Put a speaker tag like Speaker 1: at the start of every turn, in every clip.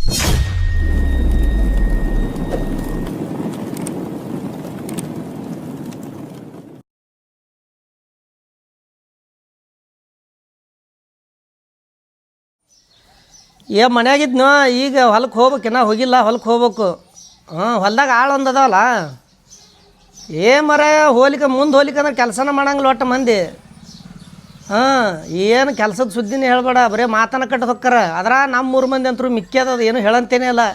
Speaker 1: ಮನ್ಯಾಗಿದ್ನು ಈಗ ಹೊಲಕ್ಕೆ ಹೋಗ್ಬೇಕಿನ್ನ ಹೋಗಿಲ್ಲ ಹೊಲಕ್ಕೆ ಹೋಗ್ಬೇಕು. ಹೊಲ್ದಾಗ ಆಳು ಒಂದು ಅದಾವಲ್ಲ ಮರ ಹೋಲಿಕೆ ಮುಂದೆ ಹೋಲಿಕೆ ಅಂದ್ರೆ ಕೆಲಸನ ಮಾಡಂಗಿಲ್ಲ ಒಟ್ಟು ಮಂದಿ. ಏನು ಕೆಲಸದ ಸುದ್ದಿನೇ ಹೇಳ್ಬೇಡ, ಬರೀ ಮಾತನ್ನ ಕಟ್ಟದು ಹೊಕ್ಕಾರ. ಅದ್ರ ನಮ್ಮ 3 ಮಂದಿ ಅಂತರೂ ಮಿಕ್ಕ್ಯದ ಏನು ಹೇಳಂತೇನೆ ಅಲ್ಲ.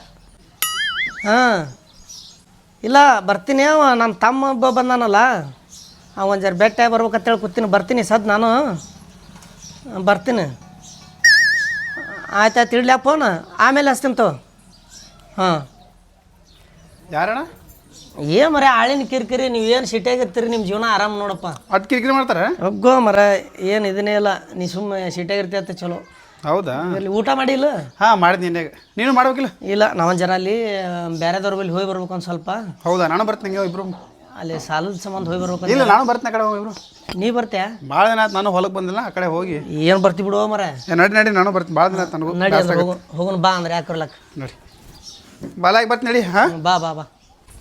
Speaker 1: ಇಲ್ಲ ಬರ್ತೀನಿ. ನಮ್ಮ ತಮ್ಮ ಒಬ್ಬ ಬಂದಾನಲ್ಲ, ಒಂದು ಜರ ಬೆಟ್ಟ ಬರ್ಬೇಕಂತೇಳಿ ಕೂತೀನಿ. ಬರ್ತೀನಿ ನಾನು ಬರ್ತೀನಿ. ಆಯ್ತಾಯ್ತು ಇಡ್ಲ್ಯಾ ಫೋನ್, ಆಮೇಲೆ ಹಚ್ತೀನಿ ತೋ.
Speaker 2: ಯಾರಣ್ಣ?
Speaker 1: ಮರ ಆಳಿನ ಕಿರಿಕಿರಿ. ನೀವೇನು ಸಿಟಿಯಾಗಿರ್ತೀರಿ, ನಿಮ್ಮ ಜೀವನ ಆರಾಮ್ ನೋಡಪ್ಪ.
Speaker 2: ಅದು ಕಿರಿಕಿರಿ ಮಾಡ್ತಾರೆ
Speaker 1: ಒಗ್ಗೋ ಮರ, ಏನು ಇದನ್ನೇ ಇಲ್ಲ. ನೀ ಸುಮ್ಮನೆ ಸಿಟಿಯಾಗಿರ್ತೀಯ ಅಂತ ಚಲೋ.
Speaker 2: ಹೌದಾ?
Speaker 1: ಇಲ್ಲಿ ಊಟ ಮಾಡಿಲ್ಲ?
Speaker 2: ಮಾಡಿದ್ನಿ. ನೀನು ಮಾಡ್ಬೇಕಿಲ್ಲ?
Speaker 1: ಇಲ್ಲ, ನಾವೊಂದು ಜನ ಅಲ್ಲಿ ಬೇರೆದವ್ರ ಬಳಿ ಹೋಗಿ ಬರ್ಬೇಕು ಒಂದು ಸ್ವಲ್ಪ.
Speaker 2: ಹೌದಾ? ನಾನು ಬರ್ತೀನಿ. ಇಬ್ರು
Speaker 1: ಅಲ್ಲಿ ಸಾಲದ ಸಂಬಂಧ ಹೋಗಿ ಬರ್ಬೇಕು.
Speaker 2: ಇಲ್ಲ, ನಾನು ಬರ್ತೀನಿ ಆ ಕಡೆ ಹೋಗಿ. ಇಬ್ರು
Speaker 1: ನೀ ಬರ್ತೀಯ?
Speaker 2: ಭಾಳ ದಿನ ಆಯ್ತು ನಾನು ಹೊಲಕ್ಕೆ ಬಂದಿಲ್ಲ. ಆ ಕಡೆ ಹೋಗಿ
Speaker 1: ಏನು ಬರ್ತಿ ಬಿಡುವ ಮರ.
Speaker 2: ನಡಿ ನಾನು ಬರ್ತೀನಿ. ಭಾಳ ದಿನ ಆಯ್ತು ನನಗೂ.
Speaker 1: ನಡಿ ಹೋಗೋಣ ಬಾ ಅಂದ್ರೆ ಯಾಕೆ ಬರ್ಲಕ್ಕ.
Speaker 2: ನಡಿ ಬಾಲಾಗಿ ಬರ್ತೀನಿ. ನಡಿ.
Speaker 1: ಬಾ ಬಾ ಬಾ.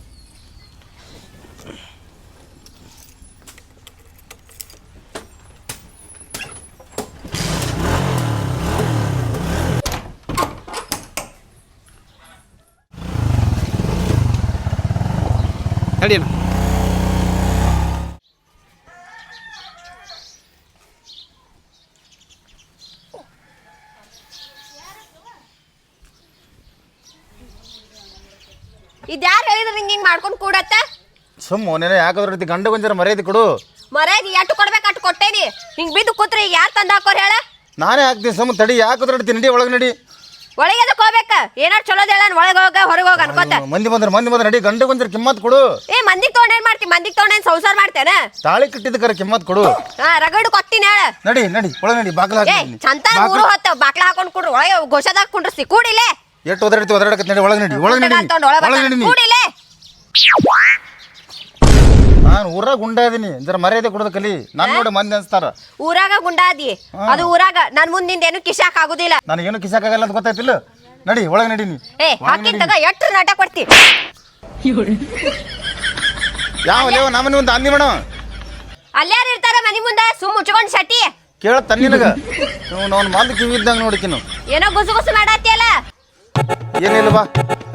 Speaker 2: ನಡಿ.
Speaker 3: ಇದ್ಯಾರು ಹೇಳಿದ್ರೆ ನಿಂಗೆ ಹಿಂಗೆ ಮಾಡ್ಕೊಂಡು ಕೂಡತ್ತ?
Speaker 4: ಸುಮ್ಮನೆ ಯಾಕದ್ರ ರೀತಿ ಗಂಡ ಗೊಂಜರ ಮರ್ಯಾದೆ ಕೊಡು.
Speaker 3: ಮರ್ಯಾದೆ ಎಷ್ಟು ಕೊಡ್ಬೇಕು ಅಷ್ಟು ಕೊಟ್ಟೇನಿ. ಹಿಂಗೆ ಬಿದ್ದು ಕೂತ್ರೆ ಈಗ ಯಾರು ತಂದು ಹಾಕೋರು ಹೇಳ?
Speaker 4: ನಾನೇ ಹಾಕ್ತೀನಿ. ಸುಮ್ಮ ತಡಿ. ಯಾಕದ್ರ ನಡಿ ಒಳಗೆ ನಡಿ.
Speaker 3: ಒಳಗೆ ಅದಕ್ಕೆ ಹೋಗ್ಬೇಕ? ಏನಾರು ಚಲೋದ ಹೇಳ. ಒಳಗೆ ಹೋಗ ಹೊರಗೆ ಹೋಗ ಅನ್ಕೋತ.
Speaker 4: ಮಂದಿ ಬಂದ್ರೆ ನಡಿ. ಗಂಡ ಗೊಂಜರ ಕಿಮ್ಮತ್ ಕೊಡು.
Speaker 3: ಮಂದಿಗೆ ತೊಗೊಂಡೇನ್ ಮಾಡ್ತಿ? ಮಂದಿಗೆ ತೊಗೊಂಡೇನ್ ಸಂಸಾರ ಮಾಡ್ತೇನೆ?
Speaker 4: ತಾಳಿ ಕಟ್ಟಿದ್ದಕ್ಕರ ಕಿಮ್ಮತ್ ಕೊಡು.
Speaker 3: ರಗಡು ಕೊತ್ತೀನಿ ಹೇಳ.
Speaker 4: ನಡಿ ಒಳಗೆ ನಡಿ. ಬಾಗ್ಲ ಹಾಕಿ
Speaker 3: ಚಂತ ಊರು ಹೊತ್ತ ಬಾಕ್ಲ ಹಾಕೊಂಡು ಕೂಡ್ರು. ಒಳಗೆ ಘೋಷದಾಗ ಕುಂಡ್ರಿಸಿ ಕೂಡಿಲೆ.
Speaker 4: ಎಷ್ಟು ಒದರಾಡಕತ್ ನಡಿ. ಒಳಗೆ ನಡಿ.
Speaker 3: ಕೂಡಿಲೆ.
Speaker 4: ನಾನು ಊರಾಗ ಗುಂಡ ಇದೀನಿ. ಜರ ಮರ್ಯಾದೆ ಕೊಡೋದು ಕಲಿ. ನಾನು ನೋಡಿ ಮಂದಿ ಅನ್ಸ್ತಾರ.
Speaker 3: ಊರಾಗ ಗುಂಡಾದಿ ಅದು ಊರಾಗ. ನನ್ ಮುಂದಿಂದ ಏನು ಕಿಶಾಕ್ ಆಗುದಿಲ್ಲ.
Speaker 4: ನನಗೇನು ಕಿಸಾಕಾಗಲ್ಲ ಅಂತ ಗೊತ್ತಾಯ್ತಿಲ್ಲ. ನಡಿ ಒಳಗೆ ನಡಿ. ನೀ
Speaker 3: ಹಾಕಿಂತಾಗ ಎಷ್ಟು ನಾಟ ಕೊಡ್ತಿ?
Speaker 4: ಯಾವ ಲೇವ ನಮ್ಮನೆ ಒಂದು ಅಂದಿ ಮೇಡಮ್.
Speaker 3: ಅಲ್ಲಾರು ಇರ್ತಾರ ಮನಿ ಮುಂದೆ ಸುಮ್ ಮುಚ್ಕೊಂಡ್ ಸಟಿ
Speaker 4: ಕೇಳ ತನ್ನಿನಗ ನಾವು ಮಂದಿ ಕಿವಿ ಇದ್ದಂಗ ನೋಡಿಕಿನು.
Speaker 3: ಏನೋ ಗುಸು ಗುಸು ಮಾಡತ್ತಿಯಲ್ಲ.
Speaker 4: ಏನಿಲ್ವಾ?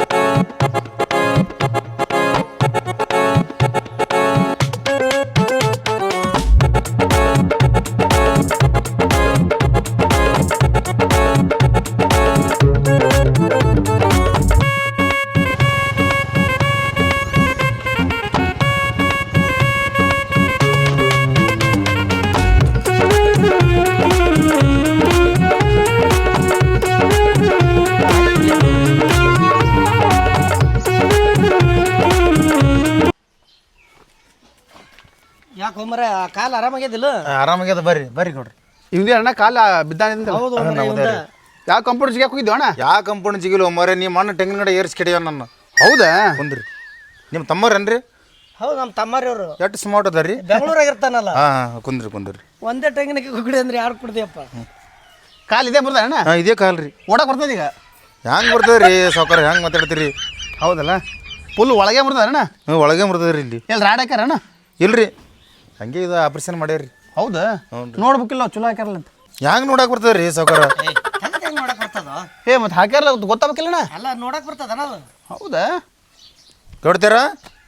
Speaker 1: ಯಾಕೆ ಹೋಮರ ಕಾಲು ಆರಾಮಾಗ್ಯದಿಲ್ಲ?
Speaker 4: ಆರಾಮಾಗ್ಯದ. ಬರ್ರಿ ನೋಡ್ರಿ.
Speaker 2: ಇವ್ದೇ ಅಣ್ಣ ಕಾಲ ಬಿದ್ದಾನಿಂದ. ಯಾವ ಕಂಪ್ಯೂಟರ್ ಜಿಗ್ಯಾಕ ಹೋಗಿದ್ವಿ ಅಣ್ಣ?
Speaker 4: ಯಾವ ಕಂಪೌಂಡ್ ಜಿಗಿಲು ಮರೆ ನಿಮ್ಮ ಮಣ್ಣು ತೆಂಗಿನ ಕಡೆ ಏರ್ಸಿ ಕೆಡಿಯ ನನ್ನ.
Speaker 2: ಹೌದಾ?
Speaker 4: ಕುಂದ್ರಿ. ನಿಮ್ಮ ತಮ್ಮರೇನ್ರಿ?
Speaker 1: ಹೌದು, ನಮ್ಮ ತಮ್ಮರಿ ಅವರು.
Speaker 4: ಎಷ್ಟು ಸ್ಮಾರ್ಟ್ ಅದ ರೀ?
Speaker 1: ಬೆಂಗಳೂರಾಗ ಇರ್ತಾನಲ್ಲ.
Speaker 4: ಕುಂದ್ರಿ.
Speaker 1: ಒಂದೇ ತೆಂಗಿನಕ್ಕೆ ಕುಗಡಿ ಅಂದ್ರೆ ಯಾರು ಕುಡ್ದಿಯಪ್ಪ?
Speaker 2: ಕಾಲು ಇದೇ ಬರ್ತದೆ ಅಣ್ಣ?
Speaker 4: ಇದೇ ಕಾಲ್ ರೀ.
Speaker 2: ಓಡಕ್ಕೆ ಬರ್ತದೆ ಈಗ?
Speaker 4: ಹೆಂಗೆ ಬರ್ತದೆ ರೀ ಸಾವ್ಕಾರ? ಹೆಂಗೆ ಮಾತಾಡ್ತೀರಿ?
Speaker 2: ಹೌದಲ್ಲ, ಫುಲ್ ಒಳಗೆ ಬರ್ತದೆ ಅಣ್ಣ?
Speaker 4: ಒಳಗೆ ಬರ್ತದೆ ರೀ. ಇಲ್ಲಿ
Speaker 2: ಎಲ್ಲಿ ರಾಡ್ ಹಾಕ್ಯಾರ ಅಣ್ಣ?
Speaker 4: ಇಲ್ರಿ, ಹಂಗೆ ಇದು ಆಪರೇಷನ್ ಮಾಡ್ಯಾರ್ರಿ.
Speaker 2: ಹೌದಾ? ನೋಡ್ಬೇಕಿಲ್ಲ ಚಲೋ ಹಾಕ್ಯಾರಲ್ಲ ಅಂತ.
Speaker 4: ಹೆಂಗೆ ನೋಡಕ್ಕೆ ಬರ್ತದೆ ರೀ ಸಾವ್ಕಾರ?
Speaker 1: ನೋಡಕ್ ಬರ್ತದ?
Speaker 2: ಮತ್ತೆ ಹಾಕ್ಯಾರಲ್ಲ ಗೊತ್ತಾಗಬೇಕಿಲ್ಲಣ್ಣ?
Speaker 1: ಎಲ್ಲ ನೋಡಕ್ ಬರ್ತದ ನಾವು.
Speaker 2: ಹೌದಾ?
Speaker 4: ಗೌಡ್ತಾರ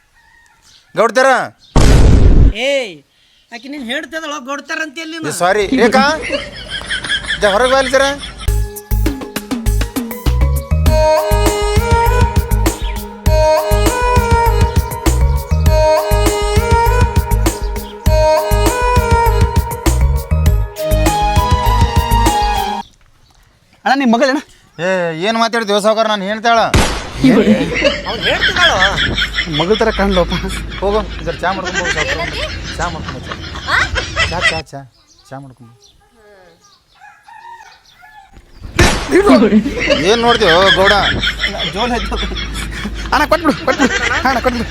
Speaker 1: ಆಕೆ ನೀನು ಹೇಳ್ತದಳ ಗೌಡ್ತಾರಂತ. ಎಲ್ಲಿ
Speaker 4: ಸಾರಿ ರೇಖಾ, ಹೊರಗೆ ಬಾಲಿಸರ.
Speaker 2: ಅಣ್ಣ ನಿಮ್ಮ ಮಗಳಣ್ಣ?
Speaker 4: ಏನು ಮಾತಾಡ್ತೀವಿ ಸಾವ್ಕಾರ? ನಾನು ಹೇಳ್ತಾಳ
Speaker 2: ಮಗಳ ಥರ ಕಾಣ್ಲಪ್ಪ.
Speaker 4: ಹೋಗೋ ಇದ್ರ ಚಾ ಮಾಡ್ಕೊಂಡು ಹೋಗಿ. ಚಾ ಮಾಡ್ಕೊಂಡು ಚಾ ಮಾಡ್ಕೊಂಡು ಏನು ನೋಡ್ತೀವಿ ಗೌಡ?
Speaker 2: ಜೋಲ್ ಆಯ್ತು ಅಣ್ಣ. ಕೊಟ್ಬಿಡು ಅಣ್ಣ, ಕೊಟ್ಬಿಡು.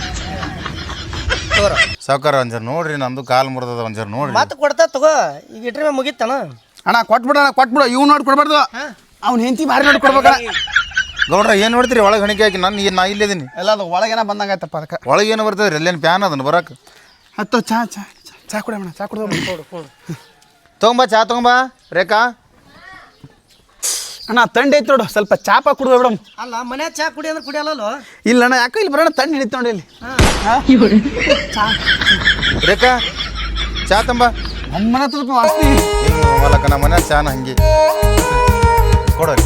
Speaker 4: ಸಾವ್ಕಾರ ಒಂಜಾರ ನೋಡ್ರಿ, ನಮ್ದು ಕಾಲು ಮುರಿದದ. ಒಂಜಾರ ನೋಡ್ರಿ.
Speaker 1: ಮಾತು ಕೊಡ್ತಾ ತಗೋ. ಈಗ ಇಟ್ರೆ ಮುಗಿತಾನ.
Speaker 2: ಅಣ್ಣ ಕೊಟ್ಬಿಡು ಇವ್ ನೋಡಿ ಕೊಡ್ಬಾರ್ದು. ಅವ್ನ ಹೆಂಡತಿ ಭಾರಿ ನೋಡಿ ಕೊಡ್ಬೇಕಣ್ಣ.
Speaker 4: ಗೌಡ್ರ ಏನು ನೋಡ್ತೀರಿ ಒಳಗೆ ಹಣಿಕೆ ಹಾಕಿ ನಾ ಇಲ್ಲಿದ್ದೀನಿ.
Speaker 2: ಎಲ್ಲ ಅದು ಒಳಗೇನ ಬಂದಂಗೆ ಆಯ್ತಪ್ಪ ಅದಕ್ಕೆ.
Speaker 4: ಒಳಗೆ ಏನು ಬರ್ತದೆ ಎಲ್ಲೇನು ಪ್ಯಾನ್ ಅದನ್ನು ಬರಕ್ಕೆ.
Speaker 2: ಹತ್ತು ಚಾ ಚಾ ಚಾ ಕುಡಿಯೋಣ, ಚಾ ಕುಡಿದ
Speaker 4: ತೊಗೊಂಬ ಚಾ ತೊಗೊಂಬ ರೇಖಾ.
Speaker 2: ಅಣ್ಣ ತಂಡ ಐತೆ ನೋಡು, ಸ್ವಲ್ಪ ಚಾಪ ಕುಡಿದ ಬಿಡಮ್.
Speaker 1: ಅಲ್ಲ ಮನ್ಯಾಗ ಚಾ ಕುಡಿ ಅಂದ್ರೆ ಕುಡಿಯಲ್ಲ.
Speaker 2: ಇಲ್ಲ ಅಣ್ಣ, ಯಾಕೋ ಇಲ್ಲಿ ಬರೋಣ ತಂಡ ಹಿಡಿತು ನೋಡಿ ಇಲ್ಲಿ.
Speaker 4: ರೇಖಾ ಚಾ ತಂಬ.
Speaker 2: ನಮ್ಮನೆ ಸ್ವಲ್ಪ ವಾಸ್ತಿ
Speaker 4: ಮಲಕ ನಮ್ಮ ಮನೆ ಚಾನ ಹಂಗೆ ಕೊಡ್ರಿ.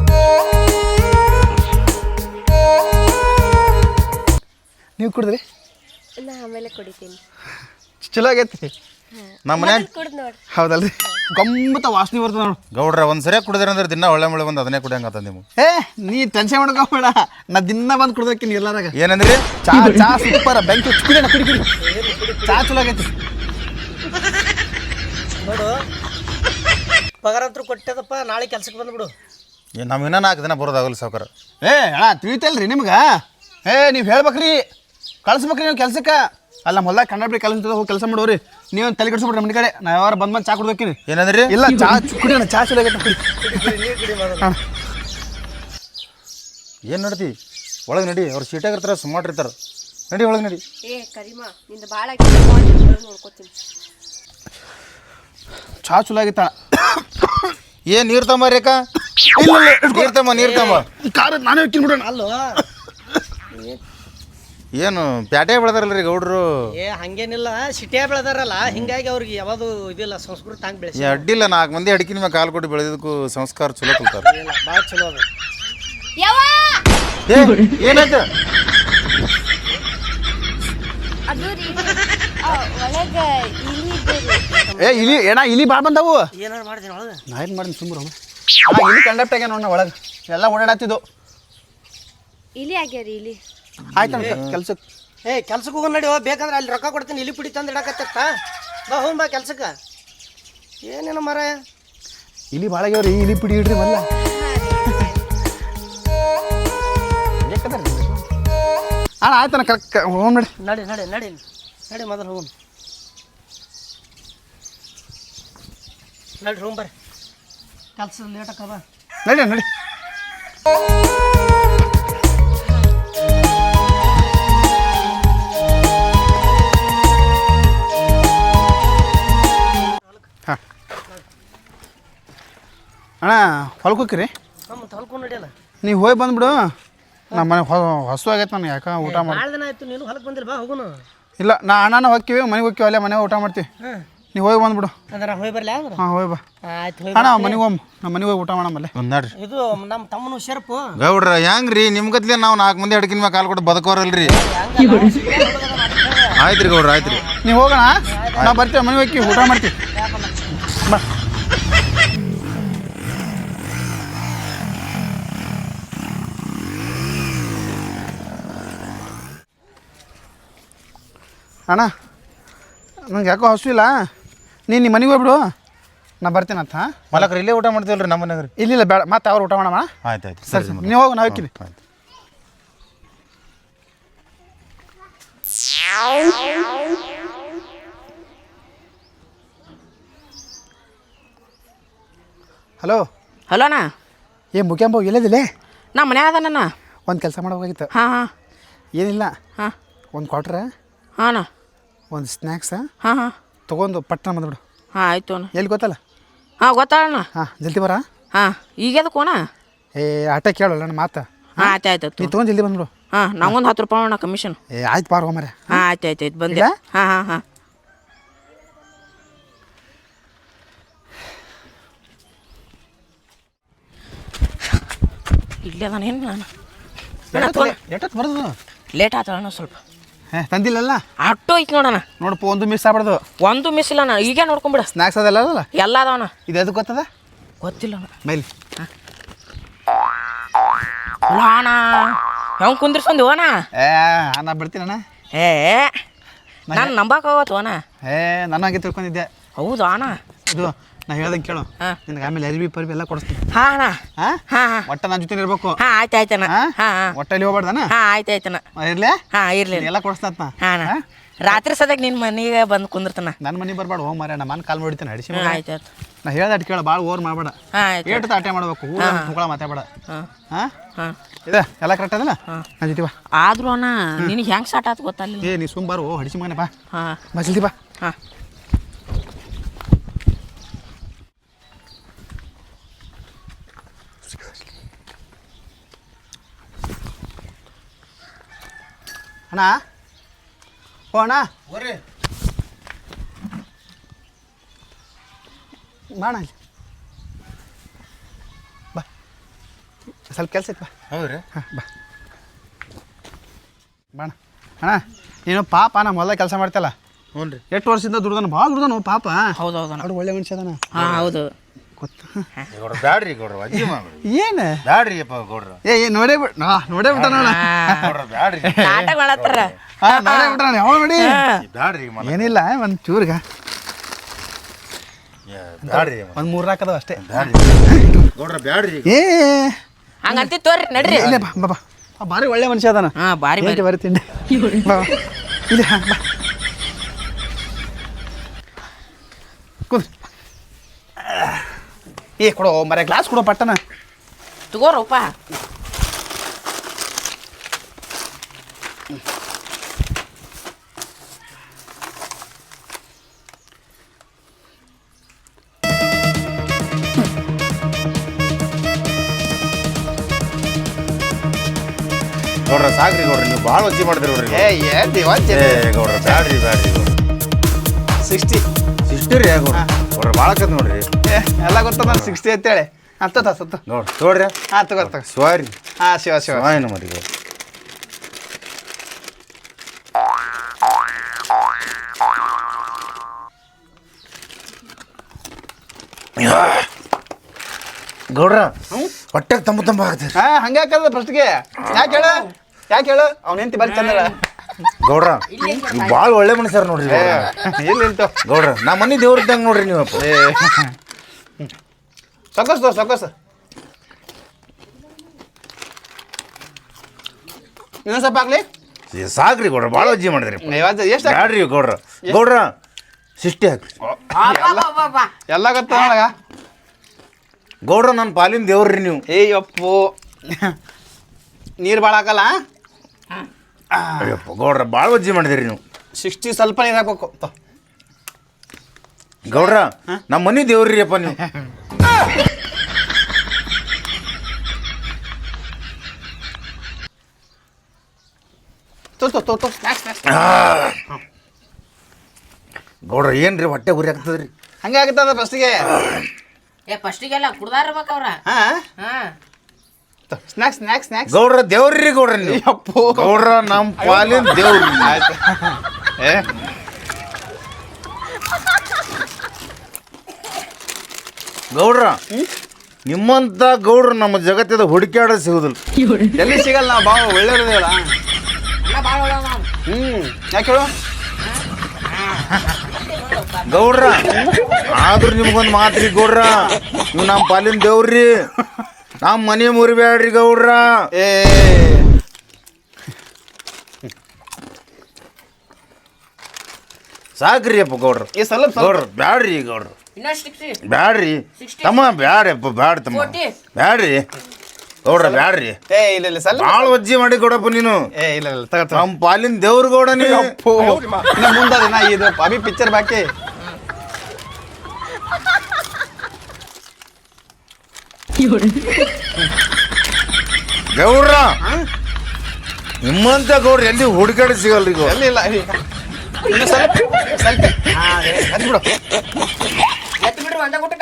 Speaker 2: ನೀವು ಕುಡಿದ್ರಿ?
Speaker 3: ನಾ ಆಮೇಲೆ ಕುಡಿತೀನಿ.
Speaker 2: ಚಲೋ ಆಗೈತಿ.
Speaker 4: ನಮ್ಮ ಮನೆ
Speaker 3: ಕುಡ್ದು ನೋಡ್ರಿ.
Speaker 2: ಹೌದಲ್ರಿ, ಗಮ್ಮತ್ತ ವಾಸನೆ ಬರ್ತದೆ ನೋಡು.
Speaker 4: ಗೌಡ್ರ ಒಂದು ಸರಿಯಾಗಿ ಕುಡಿದ್ರಿ ಅಂದ್ರೆ ದಿನ ಒಳ್ಳೆ ಮಳೆ ಬಂದು ಅದನ್ನೇ ಕುಡಿಯಂಗತ್ತ ನೀವು.
Speaker 2: ನೀ ಟೆನ್ಷನ್ ಮಾಡ್ಕೋಬೇಡ, ನಾ ದಿನ ಬಂದು ಕುಡ್ದಕ್ಕಿನಿ ಎಲ್ಲಾರಾಗ.
Speaker 4: ಏನಂದ್ರಿ?
Speaker 2: ಚಾ ಚಾ ಸೂಪರ್, ಬೆಂಕಿ ಕುಡಿಯೋಣ, ಕುಡಿ ಚಾ ಚಲೋ ಆಗೈತಿ
Speaker 1: ನೋಡು. ಪಗಾರ ಅಂತೂ ಕೊಟ್ಟದಪ್ಪ, ನಾಳೆ ಕೆಲ್ಸಕ್ಕೆ ಬಂದ್ಬಿಡು.
Speaker 4: ನಾವು ಇನ್ನೂ 4 ದಿನ ಬರೋದಾಗಲ್ಲ ಸಾವ್ಕಾರ.
Speaker 2: ಅಣ್ಣ ತಿಳಿತಲ್ರಿ ನಿಮ್ಗೆ? ನೀವು ಹೇಳ್ಬೇಕ್ರಿ, ಕಳ್ಸ್ಬೇಕ್ರಿ ನೀವು ಕೆಲ್ಸಕ್ಕೆ. ಅಲ್ಲ ಮೊದಲ ಕನ್ನಡ ಕೆಲಸ ಹೋಗಿ ಕೆಲಸ ಮಾಡೋರಿ. ನೀವು ತಲೆ ಕೆಡಿಸ್ಬಿಡ್ರಿ ಮನೆ ಕಡೆ. ನಾ ಯಾರು ಬಂದು ಚಾ ಕುಡ್ದಕ್ಕಿನಿ.
Speaker 4: ಏನಂದ್ರಿ?
Speaker 2: ಇಲ್ಲ ಚಾ ಕುಡಿಯೋಣ, ಚಾ ಚಲೋ ಆಗೈತೆ ಕುಡಿ.
Speaker 4: ಏನು ನಡ್ತಿ ಒಳಗೆ ನಡಿ. ಅವ್ರು ಸೀಟಾಗಿರ್ತಾರೆ, ಸುಮಾರಿರ್ತಾರೆ. ನಡಿ ಒಳಗೆ ನಡಿ.
Speaker 3: ಕರಿಮಾ ನಿಂದ ಭಾಳ ನೋಡ್ಕೋತೀನಿ.
Speaker 2: ಚಾ ಚಲೋ ಆಗೈತ.
Speaker 4: ಏನು ನೀರು ತಮ್ಮ ರೇಖಾ? ನೀರು ತಮ್ಮ.
Speaker 2: ಖಾರ ನಾನೇ ಹೋಗ್ತೀನಿ ಬಿಡೋಣ.
Speaker 1: ಅಲ್ಲೋ
Speaker 4: ಏನು ಪ್ಯಾಟೆ ಬೆಳೆದಾರಲ್ರಿ ಗೌಡ್ರು?
Speaker 1: ಹಂಗೇನಿಲ್ಲ, ಸಿಟಿಯಾಗ ಬೆಳೆದಾರಲ್ಲ, ಹಿಂಗಾಗಿ ಅವ್ರಿಗೆ ಯಾವುದು ಇದಿಲ್ಲ, ಸಂಸ್ಕೃತಿ ಹಂಗೆ ಬೆಳೆಸಿ
Speaker 4: ಅಡ್ಡಿಲ್ಲ. 4 ಮಂದಿ ಅಡಿಕಿನ ಮ್ಯಾಗ ಕಾಲು ಕೊಟ್ಟು ಬೆಳೆದಕ್ಕೂ ಸಂಸ್ಕಾರ ಚಲೋ ಕಲ್ತಾರೆ.
Speaker 1: ಭಾಳ ಚಲೋ ಅದು.
Speaker 4: ಏನಾಯ್ತು?
Speaker 3: ಅದು ರೀ ಒಳಗೆ ಇಲಿ
Speaker 2: ಇಲಿ ಏನ ಇಲಿ ಭಾಳ ಬಂದವು.
Speaker 1: ಏನಾರು ಮಾಡ್ತೀನಿ ಒಳಗೆ.
Speaker 2: ನಾ ಏನು ಮಾಡ್ತೀನಿ ಸುಮ್ಮನೆ. ಇಲಿ ಕಂಡಕ್ಟ್ ಆಗ್ಯಾನ ನೋಡ ಒಳಗೆ, ಎಲ್ಲ ಓಡಾಡತ್ತಿದ್ದು.
Speaker 3: ಇಲಿ ಆಗ್ಯಾರಿ ಇಲಿ.
Speaker 2: ಆಯ್ತು ಕೆಲ್ಸಕ್ಕೆ.
Speaker 1: ಕೆಲ್ಸಕ್ಕೆ ಹೋಗೋಣ ನಡಿ. ಬೇಕಂದ್ರೆ ಅಲ್ಲಿ ರೊಕ್ಕ ಕೊಡ್ತೀನಿ, ಇಲ್ಲಿ ಪುಡಿ ತಂದು ಇಡಕತ್ತ. ಬಾ ಹೋಗಿ ಬಾ ಕೆಲ್ಸಕ್ಕೆ. ಏನೇನು ಮರ
Speaker 2: ಇಲಿ ಭಾಳ ಆಗ್ಯಾವ್ರಿ, ಇಲಿ ಪಿಡಿ ಇಡ್ರಿ ಮಲ್ಲ. ಅಣ್ಣ ಆಯ್ತಣ್ಣ, ಕರೆಕ್ಟ್ ಹೋಗೋಣ ನಡಿ.
Speaker 1: ನಡಿ ನಡಿ ನಡಿ ನಡಿ ಮೊದಲು ಹೋಗೋಣ. ನಡಿ ರೂಮ್ ಬರ್ರಿ, ಕೆಲ್ಸ ಲೇಟ್ ಆಕವ.
Speaker 2: ನಡಿ ನಡಿ. ಹಾಂ ಅಣ್ಣ ಹೊಲಕ್ಕೆ ಹೋಗ್ತೀರಿ?
Speaker 1: ನಮ್ಮ ಹೊಲ್ಕೊಂಡು ನಡಿಯಲ್ಲ.
Speaker 2: ನೀವು ಹೋಗಿ ಬಂದ್ಬಿಡು. ನಮ್ಮ ಮನೆ ಹಸು ಆಗೈತೆ ನನಗೆ, ಯಾಕೆ ಊಟ ಮಾಡಿ.
Speaker 1: ಭಾಳ ದಿನ ಆಯ್ತು ನೀನು ಹೊಲಕ್ಕೆ ಬಂದಿಲ್ಲ. ಬಾ ಹೋಗೋಣ.
Speaker 2: ಇಲ್ಲ ನಾ ಅಣ್ಣನ ಹೋಗ್ತೀವಿ, ಮನೆಗೆ ಹೋಗ್ತೀವಿ, ಅಲ್ಲೇ ಮನೆಗೆ ಊಟ ಮಾಡ್ತೀವಿ. ನೀವು ಹೋಗಿ ಬಂದ್ಬಿಡು.
Speaker 1: ಅಂದ್ರೆ ಹೋಗಿ ಬರಲಿ. ಅಂದ್ರೆ
Speaker 2: ಹಾಂ ಹೋಗಿ ಬಾ.
Speaker 1: ಆಯ್ತು ಹೋಗಿ.
Speaker 2: ಅಣ್ಣ ಮನೆಗೆ ಹೋಗಿ, ನಮ್ಮ ಮನೆಗೆ ಹೋಗಿ ಊಟ ಮಾಡಮ್ಮಲ್ಲೇ.
Speaker 4: ನಡ್ರಿ.
Speaker 1: ಇದು ನಮ್ಮ ತಮ್ಮನು ಶರ್ಪು.
Speaker 4: ಗೌಡ್ರ ಹೆಂಗ್ರಿ ನಿಮ್ಗತ್ಲೆ ನಾವು 4 ಮಂದಿ ಅಡಿಕಿನ ಮ್ಯಾಗ ಕಾಲು ಕೊಟ್ಟು ಬದುಕೋರಲ್ರಿ. ಆಯ್ತು ರೀ ಗೌಡ್ರ, ಆಯ್ತು ರೀ.
Speaker 2: ನೀವು ಹೋಗೋಣ, ನಾವು ಬರ್ತೀವಿ, ಮನೆಗೆ ಹೋಗಿ ಊಟ ಮಾಡ್ತೀವಿ. ಬಾ. ಅಣ್ಣ ನಂಗೆ ಯಾಕೋ ಹಸು ಇಲ್ಲ, ನೀನು ನಿಮ್ಮ ಮನೆಗೆ ಹೋಗ್ಬಿಡು, ನಾ ಬರ್ತೀನಿ ಅಂತ.
Speaker 4: ಮಲಕ್ರಿ ಇಲ್ಲೇ ಊಟ ಮಾಡ್ತೀವಲ್ರಿ ನಮ್ಮ ಮನೆಯಾಗ ರೀ.
Speaker 2: ಇಲ್ಲ ಬೇಡ, ಮತ್ತೆ ಅವ್ರು ಊಟ ಮಾಡಮ್ಮ.
Speaker 4: ಆಯ್ತು ಆಯ್ತು
Speaker 2: ಸರಿ ಸರಿ, ನೀವು ಹೋಗಿ, ನಾ ಹೋಗ್ತೀನಿ.
Speaker 4: ಆಯ್ತು.
Speaker 2: ಹಲೋ
Speaker 5: ಹಲೋ ಅಣ್ಣ.
Speaker 2: ಮುಖ್ಯಾಂಬ ಎಲ್ಲದಿಲ್ಲೇ?
Speaker 5: ನಾ ಮನೆ ಅದಣ್ಣ.
Speaker 2: ಒಂದು ಕೆಲಸ ಮಾಡಬೇಕಾಗಿತ್ತು.
Speaker 5: ಹಾಂ ಹಾಂ.
Speaker 2: ಏನಿಲ್ಲ,
Speaker 5: ಹಾಂ
Speaker 2: ಒಂದು ಕ್ವಾಟ್ರ,
Speaker 5: ಹಾಂ ಅಣ್ಣ,
Speaker 2: ಒಂದು ಸ್ನ್ಯಾಕ್ಸ
Speaker 5: ಹಾಂ ಹಾಂ
Speaker 2: ತೊಗೊಂಡು ಪಟ್ಟಣ ಬಂದ್ಬಿಡು.
Speaker 5: ಹಾಂ ಆಯಿತು ಅಣ್ಣ.
Speaker 2: ಎಲ್ಲಿ ಗೊತ್ತಲ್ಲ?
Speaker 5: ಹಾಂ ಗೊತ್ತಾಳಣ್ಣ.
Speaker 2: ಹಾಂ ಜಲ್ದಿ ಬರ.
Speaker 5: ಹಾಂ ಈಗ ಅದಕ್ಕೆ ಅಣ್ಣ?
Speaker 2: ಆಟ ಕೇಳಲ್ಲ ನನ್ನ ಮಾತು.
Speaker 5: ಹಾಂ ಆಯ್ತು ಆಯ್ತು.
Speaker 2: ನೀ ತೊಗೊಂಡು ಜಲ್ದಿ ಬಂದ್ಬಿಡು.
Speaker 5: ಹಾಂ ನಂಗೊಂದು 10 ರೂಪಾಯಿ ಅಣ್ಣ ಕಮಿಷನ್.
Speaker 2: ಆಯ್ತು ಬಾರ ಮರೆ.
Speaker 5: ಹಾಂ ಆಯ್ತು ಆಯ್ತು ಆಯ್ತು ಬಂದೆ. ಹಾಂ ಹಾಂ ಹಾಂ. ಇಲ್ಲೇ ಅದಾನ ಏನು ನಾನು?
Speaker 2: ಎಷ್ಟೊತ್ತು ಬರೋದು?
Speaker 5: ಲೇಟ್ ಆತಣ್ಣ ಸ್ವಲ್ಪ.
Speaker 2: ತಂದಿಲ್ಲಲ್ಲ?
Speaker 5: ಅಟ್ಟು ಐತಿ ನೋಡಣ್ಣ.
Speaker 2: ನೋಡಪ್ಪ, ಒಂದು ಮಿಸ್ ಆಗ್ಬಾರ್ದು.
Speaker 5: ಒಂದು ಮಿಸ್ ಇಲ್ಲ ಅಣ್ಣ, ಈಗ ನೋಡ್ಕೊಂಬಿಡ.
Speaker 2: ಸ್ನ್ಯಾಕ್ಸ್ ಅದಲ್ಲ ಅದಲ್ಲ
Speaker 5: ಎಲ್ಲ ಅದಾವಣ್ಣ.
Speaker 2: ಇದು ಎದಕ್ಕೆ ಗೊತ್ತದ?
Speaker 5: ಗೊತ್ತಿಲ್ಲ ಅಣ್ಣ.
Speaker 2: ಬೈಲಿ.
Speaker 5: ಅಲ್ಲ ಅಣ್ಣ, ಹೆಂಗೆ ಕುಂದ್ರಿಸ್ಕೊಂಡಿ ಅಣ್ಣ?
Speaker 2: ನಾ ಬಿಡ್ತೀನಣ್ಣ.
Speaker 5: ನಾನು ನಂಬಕ್ಕಾಗತ್ತು ಅಣ್ಣ.
Speaker 2: ನಾನು ಹಾಗೆ ತಿಳ್ಕೊಂಡಿದ್ದೆ.
Speaker 5: ಹೌದಾ ಅಣ್ಣ?
Speaker 2: ಇದು ನಾ ಹೇಳ್ದಂಗೆ ಕೇಳು.
Speaker 5: ಹಾಂ
Speaker 2: ನಿನಗೆ ಆಮೇಲೆ ಅರಿವಿ ಪರಿವಿ ಎಲ್ಲ ಕೊಡಿಸ್ತೀನಿ.
Speaker 5: ಹಾಂ ಅಣ್ಣ.
Speaker 2: ಹಾಂ
Speaker 5: ಹಾಂ ಹಾಂ.
Speaker 2: ಒಟ್ಟ ನನ್ನ ಜೊತೆ ಇರ್ಬೇಕು.
Speaker 5: ಹಾಂ ಆಯ್ತು ಆಯ್ತಣ್ಣ. ಹಾಂ ಹಾಂ.
Speaker 2: ಒಟ್ಟಲ್ಲಿ ಹೋಗ್ಬಾರ್ದಣ್ಣ.
Speaker 5: ಹಾಂ ಆಯ್ತು ಆಯ್ತಣ್ಣ.
Speaker 2: ಇರ್ಲೇ?
Speaker 5: ಹಾಂ ಇರ್ಲಿ.
Speaker 2: ಎಲ್ಲ ಕೊಡಿಸ್ತಾನ.
Speaker 5: ಹಾಂ ಅಣ್ಣ. ರಾತ್ರಿ ಸದ್ಯಕ್ಕೆ ನಿನ್ನ ಮನೆಗೆ ಬಂದು ಕುಂದಿರ್ತಾನ.
Speaker 2: ನನ್ನ ಮನೆ ಬರ್ಬೇಡ ಹೋಗಿ ಮಾರ್ಯ ನಮ್ಮ ಕಾಲ್ ಹೊಡಿತಾನೆ ಹಡಿಸಿ
Speaker 5: ಆಯ್ತು ಆಯ್ತು.
Speaker 2: ನಾ ಹೇಳ್ದಾಟ್ ಕೇಳ ಭಾಳ ಓವರ್ ಮಾಡಬೇಡ.
Speaker 5: ಆಯ್ತು.
Speaker 2: ಏಟು ತಾಟೆ ಮಾಡ್ಬೇಕು ಊಳ ಮಾತಾಡಬೇಡ.
Speaker 5: ಹಾಂ
Speaker 2: ಹಾಂ
Speaker 5: ಹಾಂ
Speaker 2: ಇದೆ ಎಲ್ಲ ಕರೆಕ್ಟ್ ಅದಲ್ಲ. ನಾ ಜೊತೆ ಬಾ.
Speaker 5: ಆದ್ರೂ ಅಣ್ಣ ನಿನಗೆ ಹೆಂಗೆ ಸ್ಟಾರ್ಟ್ ಆಯ್ತು ಗೊತ್ತಲ್ಲ.
Speaker 2: ಏ ನೀ ಸುಮ್ ಬಾರು ಹಡಿಸಿ ಮಗನೆ ಬಾ.
Speaker 5: ಹಾಂ
Speaker 2: ಬಾ ಜಲ್ದಿ ಬಾ.
Speaker 5: ಹಾಂ
Speaker 2: ಅಣ್ಣ ಓ ಅಣ್ಣ
Speaker 4: ಬರ್ರಿ
Speaker 2: ಬಾಣ ಅಲ್ಲಿ ಬಾ ಸ್ವಲ್ಪ ಕೆಲಸ ಐತೆ ಬಾ.
Speaker 4: ಹೌದ್ರಿ
Speaker 2: ಹಾಂ ಬಾ ಬಾಣ ಅಣ್ಣ ನೀನು ಪಾಪ ನಮ್ಮ ಹೊಲ್ದಾಗ ಕೆಲಸ ಮಾಡ್ತಲ್ಲ.
Speaker 4: ಹ್ಞೂ ರೀ.
Speaker 2: ಎಷ್ಟು ವರ್ಷದಿಂದ ದುಡ್ದಾನ ಭಾಳ ದುಡ್ದಾನು ಪಾಪ.
Speaker 5: ಹೌದು ಹೌದಣ್ಣ.
Speaker 2: ಅವ್ರು ಒಳ್ಳೆ ಮನುಷ್ಯ ಅದಾನ.
Speaker 5: ಹಾಂ ಹೌದು.
Speaker 2: ಗೊತ್ತ
Speaker 4: ಗೌಡ್ರ ಬ್ಯಾಡ್ರಿ ಗೌಡ್ರ ಅಜ್ಜಿ ಮಾಡ್ರಿ
Speaker 2: ಏನು
Speaker 4: ಬ್ಯಾಡ್ರಿ ಅಪ್ಪ ಗೌಡ್ರ.
Speaker 2: ನೋಡೇ ನೋಡೇ ಬಿಟ್ಟ ನೋಡ.
Speaker 4: ಗೌಡ್ರ ಬ್ಯಾಡ್ರಿ
Speaker 5: ನಾಟಕ ಮಾಡತ್ತಾರ.
Speaker 2: ಹಾಂ ನೋಡೇ ಬಿಟ್ಟ ನಾನು ಯಾವ ನೋಡಿ
Speaker 4: ಬ್ಯಾಡ್ರಿ
Speaker 2: ಏನಿಲ್ಲ ಒಂದು ಚೂರ್ಗ
Speaker 4: ಬ್ಯಾಡ್ರಿ
Speaker 2: ಒಂದು 3 ಹಾಕದವ ಅಷ್ಟೇ.
Speaker 4: ಗೌಡ್ರ ಬ್ಯಾಡ್ರಿ.
Speaker 2: ಏ
Speaker 5: ಹಂಗಂತಿ ತೋರಿ ನಡ್ರಿ.
Speaker 2: ಇಲ್ಲ ಬಾ ಬಾ ಬಾ ಭಾರಿ ಒಳ್ಳೆ ಮನುಷ್ಯ ಅದಾನ.
Speaker 5: ಹಾಂ ಬಾರಿ ಬಾರಿ.
Speaker 2: ಬರೀ ತಿಂಡಿ ಬಾ ಇಲ್ಲ ಬಾ ಕುಂದ್ರಿ. ಏ ಕೊಡೋ ಮರ ಗ್ಲಾಸ್ ಕೊಡೋ ಪಟ್ಟನ.
Speaker 5: ತಗೋರಪ್ಪ.
Speaker 4: ಗೌಡ್ರ ಸಾಕ್ರಿ ಗೌಡ್ರ ನೀವು ಭಾಳ ವಜ್ಜಿ ಮಾಡಿದ್ರಿ ನೋಡ್ರಿ. ಗೌಡ್ರ ಬ್ಯಾಡ್ರಿ ಬ್ಯಾಡ್ರಿ ಗೌಡ್ರ.
Speaker 2: 60
Speaker 4: ಸಿಸ್ಟರ್ ಗೌಡ್ರ ಗೌಡ್ರ ಭಾಳ ಆಕತ್ ನೋಡ್ರಿ.
Speaker 2: ಎಲ್ಲ ಗೊತ್ತದ ನಾನು 60 ಅಂತೇಳಿ ಹತ್ತದ ಸತ್ತು
Speaker 4: ನೋಡ್ರಿ ನೋಡ್ರಿ.
Speaker 2: ಹಾಂ ತಗೋ ತಗೋ.
Speaker 4: ಸ್ವಾರಿ
Speaker 2: ಹಾಂ ಶಿವ ಶಿವ
Speaker 4: ಸ್ವಾಯನ ಮರಿ ಗೌಡ್ರ. ಗೌಡ್ರ ಹೊಟ್ಟೆಗೆ ತಂಬ ಆಗ್ತದೆ.
Speaker 2: ಹಾಂ ಹಂಗೆ ಹಾಕದ ಫಸ್ಟ್ಗೆ. ಯಾಕೆ ಹೇಳು ಅವ್ನ ಹೆಂಡತಿ ಬರೀ ಚಂದ್ರ.
Speaker 4: ಗೌಡ್ರ ಭಾಳ ಒಳ್ಳೆ ಮನುಷ್ಯರು ನೋಡ್ರಿ ಗೌಡ್ರ.
Speaker 2: ಎಲ್ಲಿ ಇಲ್ತು
Speaker 4: ಗೌಡ್ರ ನಮ್ಮ ಮನೆ ದೇವ್ರ ಇದ್ದಂಗೆ ನೋಡ್ರಿ ನೀವಪ್ಪ.
Speaker 2: ಸೊಕಸ್ ಇನ್ನೊಂದು ಸ್ವಲ್ಪ ಹಾಕ್ಲಿ.
Speaker 4: ಸಾಕ್ರಿ ಗೌಡ್ರ ಭಾಳ ವಜ್ಜಿ ಮಾಡಿದ್ರಿ.
Speaker 2: ಎಷ್ಟು
Speaker 4: ಬ್ಯಾಡ್ರಿ ಗೌಡ್ರ. ಗೌಡ್ರ 60 ಹಾಕ್ರಿ.
Speaker 2: ಎಲ್ಲ ಗೊತ್ತ ನೋಡಗ.
Speaker 4: ಗೌಡ್ರ ನನ್ನ ಪಾಲಿನ ದೇವ್ರಿ ನೀವು.
Speaker 2: ಅಪ್ಪು ನೀರು ಭಾಳ ಹಾಕಲ್ಲ.
Speaker 4: ಅಯ್ಯಪ್ಪ ಗೌಡ್ರ ಭಾಳ ವಜ್ಜಿ ಮಾಡಿದಿರಿ ನೀವು.
Speaker 2: 60 ಸ್ವಲ್ಪ ನೀರು ಹಾಕ್ಬೇಕು.
Speaker 4: ಗೌಡ್ರ ನಮ್ಮ ಮನೆ ದೇವ್ರಿ ಅಪ್ಪ ನೀವು.
Speaker 2: ತೋ
Speaker 4: ಗೌಡ್ರ ಏನ್ರಿ ಹೊಟ್ಟೆ ಉರಿ ಆಗ್ತದ್ರಿ.
Speaker 2: ಹಂಗೆ ಆಗುತ್ತದ ಫಸ್ಟಿಗೆ.
Speaker 5: ಫಸ್ಟಿಗೆಲ್ಲ ಕುಡ್ದಾರ್ಬೇಕು ಅವ್ರ.
Speaker 2: ಹಾಂ
Speaker 5: ಹಾಂ
Speaker 2: ಸ್ನ್ಯಾಕ್ಸ್
Speaker 4: ಗೌಡ್ರ ದೇವ್ರಿ ಗೌಡ್ರ ನೀವು.
Speaker 2: ಅಪ್ಪು
Speaker 4: ಗೌಡ್ರ ನಮ್ಮ ಪಾಲಿನ ದೇವ್ರಿ.
Speaker 2: ಆಯ್ತು.
Speaker 4: ಗೌಡ್ರ ನಿಮ್ಮಂತ ಗೌಡ್ರ ನಮ್ಮ ಜಗತ್ತದ ಹುಡುಕ್ಯಾಡ ಸಿಗುದಿಲ್ಲ.
Speaker 2: ಎಲ್ಲಿ ಸಿಗಲ್ಲ ನಾವು ಭಾಳ ಒಳ್ಳೆಯವ್ರದೇವಲ್ಲ. ಯಾಕೆ ಹೇಳು
Speaker 4: ಗೌಡ್ರ ಆದ್ರೂ ನಿಮ್ಗೊಂದು ಮಾತ್ರಿ ಗೌಡ್ರ ನೀವು ನಮ್ಮ ಪಾಲಿನ ದೇವ್ರಿ. ನಮ್ಮ ಮನೆ ಮುರಿಬೇಡ್ರಿ ಗೌಡ್ರ.
Speaker 2: ಏ
Speaker 4: ಸಾಕ್ರಿ ಅಪ್ಪ ಗೌಡ್ರ.
Speaker 2: ಈ ಸ್ವಲ್ಪ
Speaker 4: ಗೌಡ್ರ ಬ್ಯಾಡ್ರಿ ಗೌಡ್ರ
Speaker 5: ಇನ್ನಷ್ಟು
Speaker 4: ಬ್ಯಾಡ್ರಿ ತಮ್ಮ ಬ್ಯಾಡ್ರಪ್ಪ ಬ್ಯಾಡ ತಮ್ಮ ಬ್ಯಾಡ್ರಿ ಗೌಡ್ರ ಬ್ಯಾಡ್ರಿ.
Speaker 2: ಇಲ್ಲ ಸ್ವಲ್ಪ
Speaker 4: ಭಾಳ ವಜ್ಜಿ ಮಾಡಿ ಗೌಡಪ್ಪ ನೀನು.
Speaker 2: ಇಲ್ಲ ತಗೋ
Speaker 4: ನಮ್ಮ ಪಾಲಿನ ದೇವ್ರ ಗೌಡ ನೀವು.
Speaker 2: ಮುಂದಿನ ಇದು ಅಭಿ ಪಿಕ್ಚರ್ ಬಾಕಿ.
Speaker 4: ಗೌಡ್ರ ನಿಮ್ಮಂತ ಗೌಡ್ರ ಎಲ್ಲಿ ಹುಡುಕಾಡಿ ಸಿಗಲ್ರಿ ಗೌಡ್ರ.
Speaker 2: ಎಲ್ಲಿ ಇಲ್ಲ ಇನ್ನು ಸ್ವಲ್ಪ ಹಚ್ಬಿಡು.
Speaker 5: ಎತ್ತು ಬಿಡ್ರಿ ಒಂದ ಗುಟ್ಟಕ.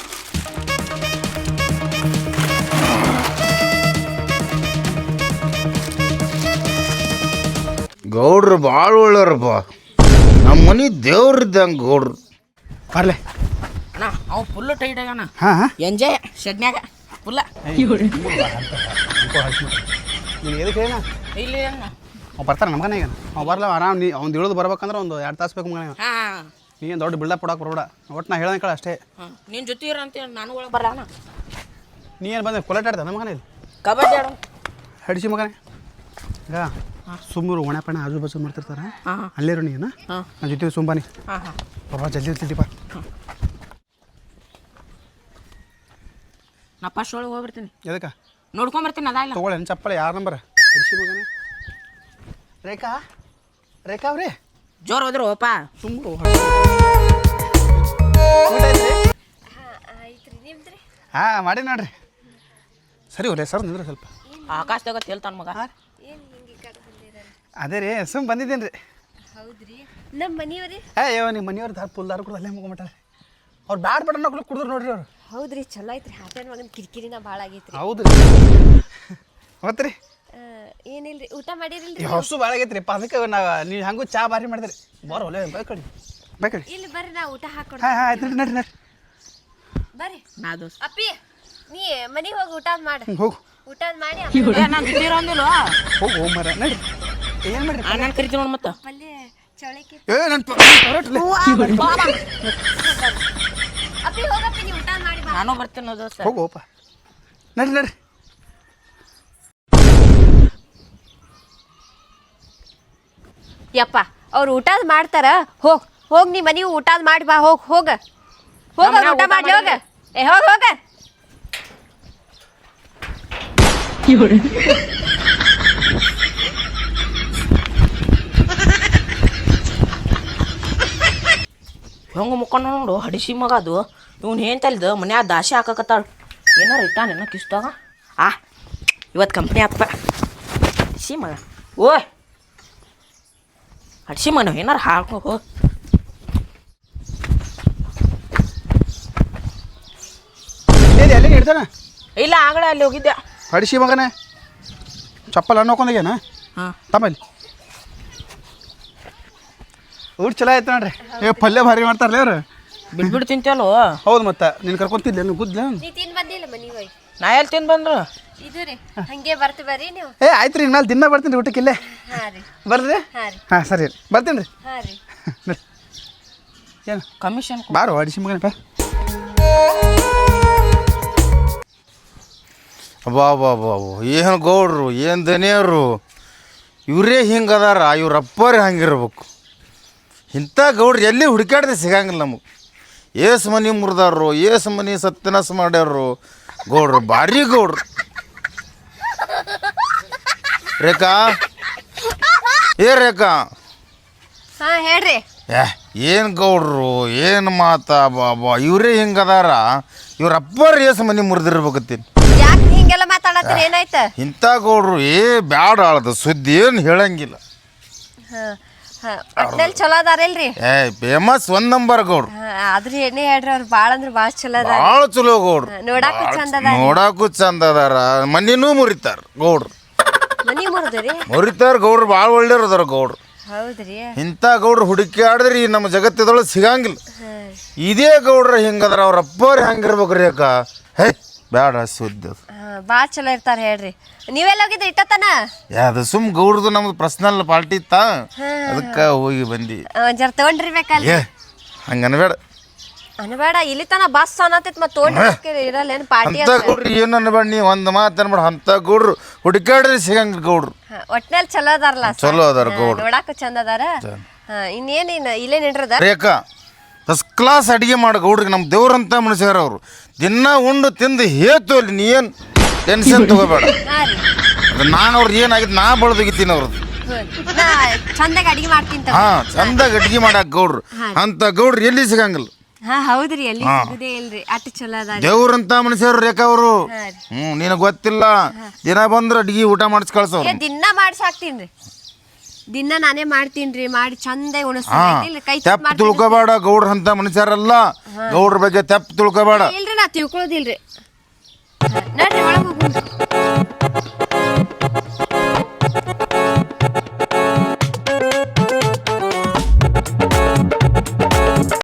Speaker 4: ಗೌಡ್ರು ಭಾಳ ಒಳ್ಳೆಯವ್ರಪ್ಪ. ನಮ್ಮ ಮನೆ ದೇವ್ರಿದ್ದಂಗೆ ಗೌಡ್ರು.
Speaker 2: ಬರ್ಲೆ
Speaker 5: ಅಣ್ಣ ಅವ್ ಫುಲ್ಲು ಟೈಟ್ ಆಗ್ಯಾನ.
Speaker 2: ಹಾಂ
Speaker 5: ಎಂಜಾಯ್ ಶೆಡ್ನ್ಯಾಗ ಫುಲ್ಲ.
Speaker 2: ನೀನು ಎದಕ್ಕೆ ಹೇಳ
Speaker 5: ಇಲ್ಲಿ ಅಣ್ಣ.
Speaker 2: ಅವ್ನು ಬರ್ತಾನೆ ನಮ್ಮ ಮನೆ ಈಗ. ಅವ್ನು ಬರಲ್ಲ ಆರಾಮ್. ಅವ್ನು ಇಳಿದು ಬರ್ಬೇಕಂದ್ರೆ ಒಂದು 2 ತಾಸು ಬೇಕು ಮಗನ.
Speaker 5: ಹಾಂ
Speaker 2: ನೀನು ದೊಡ್ಡ ಬಿಲ್ಡಪ್ ಕೊಡಕ್ಕೆ ಬರಬೇಡ. ಒಟ್ಟು ನಾ ಹೇಳ್ದಂಗೆ ಕಳ ಅಷ್ಟೇ.
Speaker 5: ಹಾಂ ನಿನ್ನ ಜೊತೆ ಇರಂತ ನಾನು ಒಳಗೆ ಬರಲ್ಲ ಅಣ್ಣ.
Speaker 2: ನೀ ಏನು ಬಂದೆ ಕೊಲೆಟ್ ಆಡ್ದೆ ನಮ್ಮ ಮನೇಲಿ
Speaker 5: ಕಬಡ್ಡಿ ಆಡೋ
Speaker 2: ಹಡಿಸಿ ಮಗನೇ. ಈಗ ಸುಮ್ಮರು ಒಣಪಣ ಆಜು ಬಾಜು ಮಾಡ್ತಿರ್ತಾರ
Speaker 5: ಹಾಂ
Speaker 2: ಅಲ್ಲೇರು ನೀನು
Speaker 5: ಹಾಂ
Speaker 2: ನನ್ನ ಜೊತೆ ಸುಂಬಾನಿ
Speaker 5: ಹಾಂ ಹಾಂ
Speaker 2: ಬಾಬಾ ಜಲ್ದಿ ಇರ್ತಿದ್ದೀಪ
Speaker 5: ನಾ ಫಸ್ಟ್ ಒಳಗೆ ಹೋಗ್ಬಿಡ್ತೀನಿ
Speaker 2: ಎದಕ್ಕೆ
Speaker 5: ನೋಡ್ಕೊಂಬರ್ತೀನಿ ಅದ ಇಲ್ಲ
Speaker 2: ತೊಗೊಳ್ಳಿ ಚಪ್ಪಳೆ ಯಾರ ನಂಬರ್ ಅಡಿಸಿ ಮಗನೇ ರೇಖಾ ರೇಖಾ ಅವ್ರಿ
Speaker 5: ಜೋರು ಹೋದ್ರು ಓಪ
Speaker 2: ಸುಮ್ಮರು ಹಾಂ ಮಾಡಿ ನೋಡ್ರಿ ಸರಿ ಹೋಗ್ರಿ ಸರ್ ನಿಂದ್ರೆ ಸ್ವಲ್ಪ
Speaker 5: ಆಕಾಶದಾಗ ತೇಲ್ತಾನ ಮಗ
Speaker 2: ಅದೇ ರೀ ಸುಮ್ಮ ಬಂದಿದ್ದೇನೆ ರೀ
Speaker 3: ಹೌದ್ರಿ ನಮ್ಮ ಮನಿಯವ್ರಿ
Speaker 2: ಅಯ್ಯೋ ನಿಮ್ಮ ಮನೆಯವ್ರು ದಾರ ಪುಲ್ದಾರ ಕೂಡ ಅಲ್ಲೇ ಮುಗ್ಬಿಟ್ಟಾರೆ ಅವ್ರು ಬ್ಯಾಡ್ ಬಡ ಕುಡಿದ್ರು ನೋಡ್ರಿ ಅವ್ರು
Speaker 3: ಹೌದ್ರಿ ಚಲೋ ಐತ್ರಿ ಹಾಟೆಲ್ ಮಗನ ಕಿರಿಕಿರಿನ ಭಾಳ ಆಗೈತ್ರಿ
Speaker 2: ಹೌದು ರೀ ಮತ್ತೆ ರೀ
Speaker 3: ಏನಿಲ್ರಿ ಊಟ ಮಾಡಿರಿಲ್ರಿ
Speaker 2: ಹೊಸು ಭಾಳ ಆಗೈತೆ ರೀ ಅದಕ್ಕೆ ನೀವು ಹಂಗೂ ಚಾ ಭಾರಿ ಮಾಡಿದ್ರಿ ಬರೋ ಒಲೆ ಬೇಕಡಿ ಬೇಕಡಿ
Speaker 3: ಇಲ್ಲಿ ಬರ್ರಿ ನಾ ಊಟ ಹಾಕೊಡ್
Speaker 2: ಹಾಂ ಹಾಂ ಆಯ್ತು ನಡ್ರಿ ನಡ್ರಿ
Speaker 3: ಬರ್ರಿ
Speaker 5: ನಾ ದೋಸ್ತ
Speaker 3: ಅಪ್ಪಿ ನೀ ಮನಿಗೆ ಹೋಗಿ ಊಟ ಮಾಡ
Speaker 2: ಹೋಗು
Speaker 3: ಊಟ ಮಾಡಿ
Speaker 5: ನಾನು ಜೊತೆ ಅಂದಿಲ್ವ
Speaker 2: ಹೋಗು ಹೋಗಿ ಮರ ನಡ್ರಿ ಏನು ಮಾಡ್ರಿ
Speaker 5: ನಾನು ಕರಿತೀನಿ ನೋಡಿ ಮತ್ತೆ
Speaker 3: ಪಲ್ಯ ಚೌಳಿಕೆ
Speaker 2: ಏ ನನ್ನ
Speaker 3: ಅಪ್ಪಿ ಹೋಗಪ್ಪಿ ನೀ ಊಟ ಮಾಡಿ ಬಾ
Speaker 5: ನಾನು ಬರ್ತೀನಿ ದೋಸ್ತ
Speaker 2: ಹೋಗು ಹೋಪ ನಡ್ರಿ ನಡ್ರಿ
Speaker 3: ಯಪ್ಪ ಅವ್ರು ಊಟದ ಮಾಡ್ತಾರ ಹೋಗ್ ನೀ ಮನಿ ಊಟದ ಮಾಡಿ ಬಾ ಹೋಗ ಊಟ ಮಾಡ್ಲಿ ಹೋಗ ಏ ಹೋಗ
Speaker 5: ಹೆಂಗೆ ಮುಕ್ಕೊಂಡು ನೋಡು ಹಡಿಸಿ ಮಗ ಅದು ಇವ್ನು ಏನು ತಲ್ದು ಮನ್ಯಾಗ ದಾಸಿ ಹಾಕಕತ್ತಾಳ ಏನಾರ ಇಟ್ಟಾನ ಏನೋ ಕಿಸ್ದಾಗ ಇವತ್ತು ಕಂಪ್ನಿ ಆತ್ಪ ಹಡಿಸಿ ಮಗ ಓಯ್ ಹಡಿಸಿ ಮಗ ನಾವು ಏನಾರು ಹಾಕೋ
Speaker 2: ಎಲ್ಲಿ ಹಿಡ್ತಾನ
Speaker 5: ಇಲ್ಲ ಆಗಲೇ ಅಲ್ಲಿ ಹೋಗಿದ್ದೆ
Speaker 2: ಹಡಿಸಿ ಮಗನೇ ಚಪ್ಪಲ್ ಹಣ್ಣು ಹಾಕೊಂಡಾಗೇನ
Speaker 5: ಹಾಂ
Speaker 2: ತಮ್ಮಲ್ಲಿ ಊಟ ಚಲೋ ಆಯ್ತು ನೋಡ್ರಿ ಏ ಪಲ್ಯ ಭಾರಿ ಮಾಡ್ತಾರಲ್ಲ ಅವ್ರು
Speaker 5: ಬಿಡ್ಬಿಟ್ಟು ತಿಂತೇಲೋ
Speaker 2: ಹೌದು ಮತ್ತೆ ನೀನು ಕರ್ಕೊಂತಿದ್ಲೆ ನೀನು ಗುದ್ಲ
Speaker 3: ನೀ ತಿನ್ ಬಂದಿಲ್ಲ ಮನಿ ಹೋಗಿ
Speaker 5: ನಾ ಎಲ್ಲಿ ತಿಂದು ಬಂದ್ರು
Speaker 3: ಇದು ರೀ ಹಂಗೆ ಬರ್ತಿ ಬರ್ರಿ ನೀವು
Speaker 2: ಏ ಆಯ್ತು ರೀ ಇನ್ಮೇಲೆ ದಿನ ಬರ್ತೀನಿ ರೀ ಊಟಕ್ಕೆ ಇಲ್ಲೇ
Speaker 3: ಹಾ ರೀ
Speaker 2: ಬರ್ರಿ
Speaker 3: ಹಾ ರೀ
Speaker 2: ಹಾಂ ಸರಿ ರೀ ಬರ್ತೀನಿ ರೀ
Speaker 3: ಹಾ ರೀ
Speaker 2: ಏನು
Speaker 5: ಕಮಿಷನ್
Speaker 2: ಬಾರೋ ಅಡಿಸಿ ಮಗನಪ್ಪ
Speaker 4: ಅಬ್ಬಾಬಾಬಾಬು ಏನು ಗೌಡ್ರು ಏನು ದನಿಯರು ಇವರೇ ಹಿಂಗೆ ಅದಾರ ಇವ್ರ ಅಪ್ಪರೇ ಹಂಗಿರ್ಬೇಕು ಇಂಥ ಗೌಡ್ರು ಎಲ್ಲಿ ಹುಡುಕಾಡ್ದೆ ಸಿಗಂಗಿಲ್ಲ ನಮಗೆ ಏಸು ಮನೆ ಮುರಿದಾರು ಏಸು ಮನೆ ಸತ್ಯನಾಶ ಮಾಡ್ಯಾರು ಗೌಡ್ರು ಭಾರಿ ಗೌಡ್ರು ರೇಖಾ ರೇಖಾ
Speaker 3: ಹಾ ಹೇಳ್ರಿ
Speaker 4: ಏನು ಗೌಡ್ರು ಏನು ಮಾತಾ ಬಾಬಾ ಇವರೇ ಹಿಂಗೆ ಅದಾರ ಇವ್ರ ಅಪ್ಪರು ಏಸು ಮನೆ ಮುರಿದಿರ್ಬೇಕತ್ತೀನಿ
Speaker 3: ಯಾಕೆ ಹಿಂಗೆಲ್ಲ ಮಾತಾಡತ್ತೀರಿ ಏನಾಯ್ತ
Speaker 4: ಇಂಥ ಗೌಡ್ರು ಬ್ಯಾಡ ಆಳದ ಸುದ್ದಿ ಏನು ಹೇಳಂಗಿಲ್ಲ
Speaker 3: ಒಟ್ನಲ್ಲಿ ಚಲೋ ಅದಾರಲ್ರಿ
Speaker 4: ಫೇಮಸ್ 1 ನಂಬರ್ ಗೌಡ್ರು
Speaker 3: ಆದ್ರೂ ಏನೇ ಹೇಳ್ರಿ ಅವ್ರು ಭಾಳ ಅಂದ್ರೆ ಭಾಳ ಚಲೋ ಅದಾರ
Speaker 4: ಭಾಳ ಚಲೋ ಗೌಡ್ರು
Speaker 3: ನೋಡಾಕು ಚಂದ ಅದ
Speaker 4: ನೋಡಾಕು ಚಂದ ಅದಾರ ಮನಿನೂ ಮುರಿತಾರ ಗೌಡ್ರು
Speaker 3: ಮನಿ ಮುರಿದ್ರಿ
Speaker 4: ಮುರಿತಾರ ಗೌಡ್ರು ಭಾಳ ಒಳ್ಳೆಯವ್ರು ಅದಾರ ಗೌಡ್ರು
Speaker 3: ಹೌದ್ರಿ
Speaker 4: ಇಂಥ ಗೌಡ್ರು ಹುಡುಕಾಡಿದ್ರಿ ನಮ್ಮ ಜಗತ್ತದೊಳಗೆ ಸಿಗಂಗಿಲ್ಲ ಇದೇ ಗೌಡ್ರ ಹಿಂಗದಾರ ಅವ್ರ ಅಪ್ಪವ್ರು ಹೆಂಗಿರ್ಬೇಕ್ರಿ ಅಕ್ಕ ಹೇ ಬೇಡ ಸುದ್ದಿ ಅದು
Speaker 3: ಭಾಳ ಚಲೋ ಇರ್ತಾರ ಹೇಳ್ರಿ ನೀವೆಲ್ಲ ಹೋಗಿದ್ರಿ ಇಟ್ಟತನ
Speaker 4: ಅದು ಸುಮ್ ಗೌಡ್ದು ನಮ್ದು ಪರ್ಸನಲ್ ಪಾರ್ಟಿ ಇತ್ತ ಅದಕ್ಕೆ ಹೋಗಿ ಬಂದಿ
Speaker 3: ಒಂದ್ ಜರ ತಗೊಂಡಿರ್ಬೇಕಲ್ಲ
Speaker 4: ಏ ಹಂಗೆ ಅನ್ಬೇಡ
Speaker 3: ಅನ್ಬೇಡ ಇಲ್ಲಿ ತನ ಬಸ್ ಅನ್ನತೈತ್ ಮತ್ ತಗೊಂಡಿರ್ಬೇಕ ಇರಲ್ಲ ಏನ್ ಪಾರ್ಟಿ
Speaker 4: ಅಂತ ಗೌಡ್ರು ಏನು ಅನ್ಬೇಡ ನೀ ಒಂದು ಮಾತು ಅನ್ಬೇಡ ಅಂತ ಗೌಡ್ರು ಹುಡುಕಾಡ್ರಿ ಸಿಗಂಗಿಲ್ಲ ಗೌಡ್ರು
Speaker 3: ಒಟ್ನಲ್ಲಿ ಚಲೋ ಅದಾರಲ್ಲ
Speaker 4: ಚಲೋ ಅದಾರ ಗೌಡ್ರು
Speaker 3: ನೋಡಾಕು ಚಂದ ಅದಾರ ಇನ್ನೇನ್ ಇಲ್ಲೇ ನಿಂಡ್ರದ
Speaker 4: ರೇಖಾ ಫಸ್ಟ್ ಕ್ಲಾಸ್ ಅಡುಗೆ ಮಾಡಿ ಗೌಡ್ರಿಗೆ ನಮ್ಮ ದೇವ್ರಂತ ಮನುಷ್ಯರ ಅವರು ದಿನ ಉಂಡು ತಿಂದು ಹೇತು ಅಲ್ಲಿ ನೀ ಏನು ಟೆನ್ಷನ್ ತಗೋಬೇಡ
Speaker 3: ಹಾ ರೀ
Speaker 4: ಅದು ನಾನು ಅವ್ರದ್ದು ಏನಾಗಿತ್ತು ನಾ ಬಳದೋಗಿತ್ತೀನಿ ಅವ್ರದ್ದು
Speaker 3: ನಾ ಚಂದಾಗ ಅಡಿಗೆ ಮಾಡ್ತೀನಿ
Speaker 4: ಹಾಂ ಚಂದಾಗಿ ಅಡುಗೆ ಮಾಡಾಕ ಗೌಡ್ರು ಅಂತ ಗೌಡ್ರು ಎಲ್ಲಿ ಸಿಗಂಗಿಲ್ಲ
Speaker 3: ಹಾ ಹೌದ್ರಿ ಎಲ್ಲಿ ಸಿಗುದೇ ಇಲ್ರಿ ಅಟ್ ಚಲೋ ಅದ
Speaker 4: ದೇವ್ರಂತ ಮನುಷ್ಯರು ರೇಖಾ ಅವರು
Speaker 3: ಹಾ ರೀ
Speaker 4: ನಿನಗೆ ಗೊತ್ತಿಲ್ಲ ದಿನ ಬಂದ್ರೆ ಅಡುಗೆ ಊಟ ಮಾಡಿಸಿ ಕಳ್ಸೋರು
Speaker 3: ದಿನ ಮಾಡ್ಸಿ ಹಾಕ್ತೀನ್ರಿ ದಿನ ನಾನೇ ಮಾಡ್ತೀನ್ರಿ ಮಾಡಿ ಚಂದ
Speaker 4: ಹಾ
Speaker 3: ಉಣಿಸ್ತೀನಿ ಕೈ
Speaker 4: ತೆಪ್ಪ ತಿಳ್ಕೊಬೇಡ ಗೌಡ್ರ ಅಂತ ಮನುಷ್ಯರಲ್ಲ ಗೌಡ್ರ ಬಗ್ಗೆ ತೆಪ್ಪ ತಿಳ್ಕೊಬೇಡ
Speaker 3: ಇಲ್ರಿ ನಾ ತಿಳ್ಕೊಳ್ಳೋದಿಲ್ರಿ ನಡ್ರಿ ಒಳಗೆ ಹೋಗ್ರಿ